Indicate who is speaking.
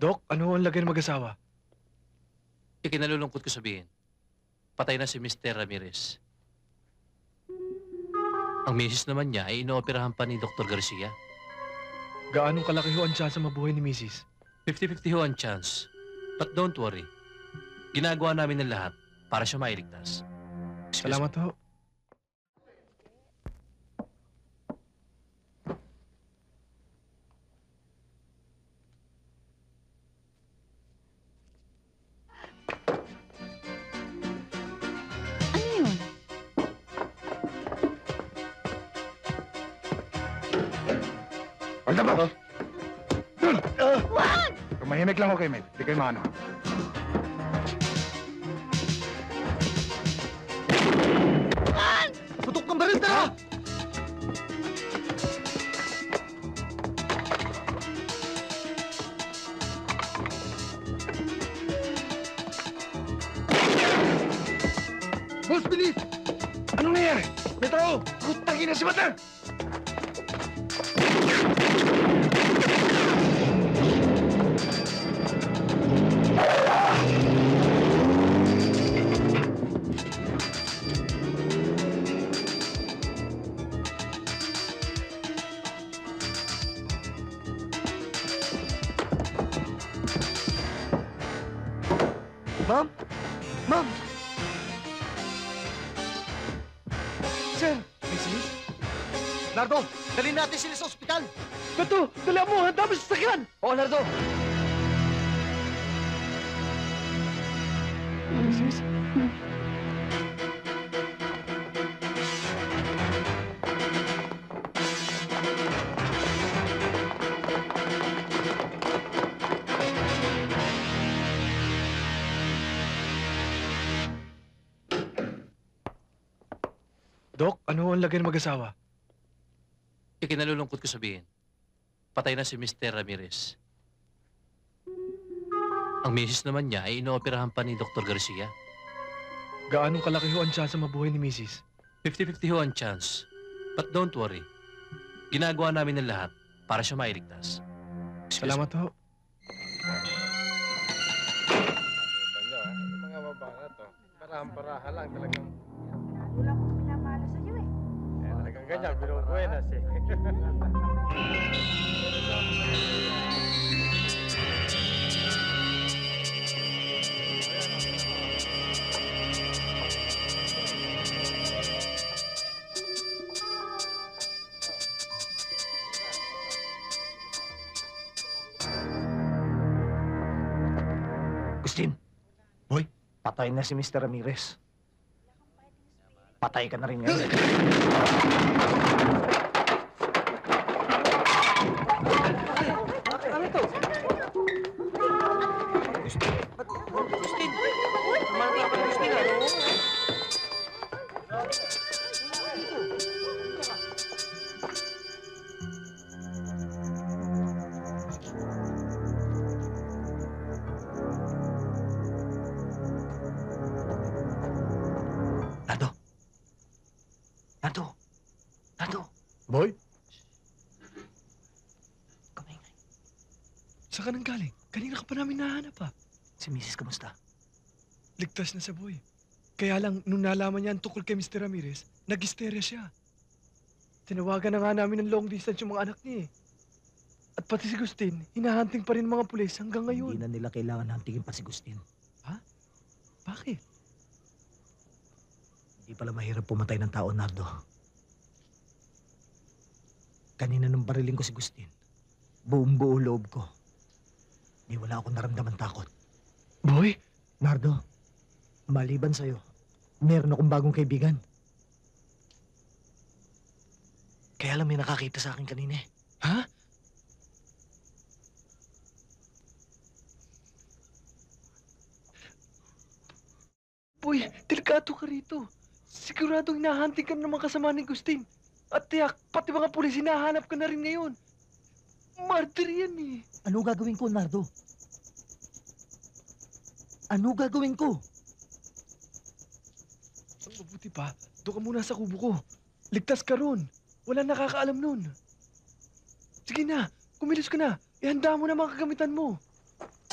Speaker 1: Dok, ano ang lagay ng mag-asawa?
Speaker 2: Ikinalulungkot ko sabihin, patay na si Mr. Ramirez. Ang misis naman niya ay inooperahan pa ni Dr. Garcia.
Speaker 1: Gaanong kalaki ho ang tsansa mabuhay ni Mrs.?
Speaker 2: 50-50 ho ang chance. But don't worry. Ginagawa namin ng lahat para siya mailigtas. Excuse
Speaker 1: Salamat ho.
Speaker 3: Ano yun?
Speaker 4: Hold up ako! Dun!
Speaker 3: Wag!
Speaker 4: Tumahimik lang ako kay Mel. Di kayo maano.
Speaker 1: Putok ng baril, tara!
Speaker 4: Boss, bilis! Anong nangyari? May tao! Putangin na si Mata!
Speaker 1: Ma'am? Ma'am! Sir! Mrs.?
Speaker 5: Nardo, dalhin natin sila sa ospital.
Speaker 1: Beto! Dali mo! Handa mo sa sakyan!
Speaker 5: Oo, Nardo.
Speaker 1: Mrs.? Dok, ano ang lagay ng mag-asawa?
Speaker 2: Ikinalulungkot ko sabihin, patay na si Mr. Ramirez. Ang misis naman niya ay inooperahan pa ni Dr. Garcia.
Speaker 1: Gaanong kalaki ho ang tsansa mabuhay ni Mrs.?
Speaker 2: 50-50 ho ang chance. But don't worry. Ginagawa namin ng lahat para siya mailigtas. Excuse
Speaker 1: Salamat ho.
Speaker 4: Yung mga babana to, parahan-parahan lang talagang.
Speaker 3: Wala akong pinamala sa'yo eh.
Speaker 4: Talagang ganyan, binubuenas eh.
Speaker 5: Agustin. Boy, patay na si Mr. Ramirez. Patay ka na rin ngayon.
Speaker 1: Ano to?
Speaker 5: Nardo. Nardo. Nardo.
Speaker 4: Boy?
Speaker 5: Kumaingay.
Speaker 1: Saan ka nang galing? Kanina ka pa namin nahanap ah.
Speaker 5: Si Mrs. kamusta?
Speaker 1: Ligtas na sa boy. Kaya lang, nung nalaman niya ang tukol kay Mr. Ramirez, nag-hysteria siya. Tinawagan na nga namin ng long distance yung mga anak niya eh. At pati si Gustin, hinahunting pa rin ng mga pulis hanggang
Speaker 5: Hindi
Speaker 1: ngayon.
Speaker 5: na nila kailangan hantingin pa si Agustin.
Speaker 1: Bakit?
Speaker 5: Hindi pala mahirap pumatay ng tao, Nardo. Kanina nung bariling ko si Agustin, buong-buo loob ko. Di wala akong naramdaman takot.
Speaker 1: Boy?
Speaker 5: Nardo, maliban sa'yo, meron akong bagong kaibigan. Kaya lang may nakakita sa akin kanina eh.
Speaker 1: Ha? Boy, delikado ka rito. Siguradong hinahunting ka ng mga kasama ni Gustin. At tiyak, pati mga pulis hinahanap ka na rin ngayon. Martyr yan eh.
Speaker 5: Ano gagawin ko, Nardo? Ano gagawin ko?
Speaker 1: Ang mabuti pa, doon ka muna sa kubo ko. Ligtas ka ron. Wala nakakaalam nun. Sige na, kumilos ka na. Ihanda mo na mga kagamitan mo.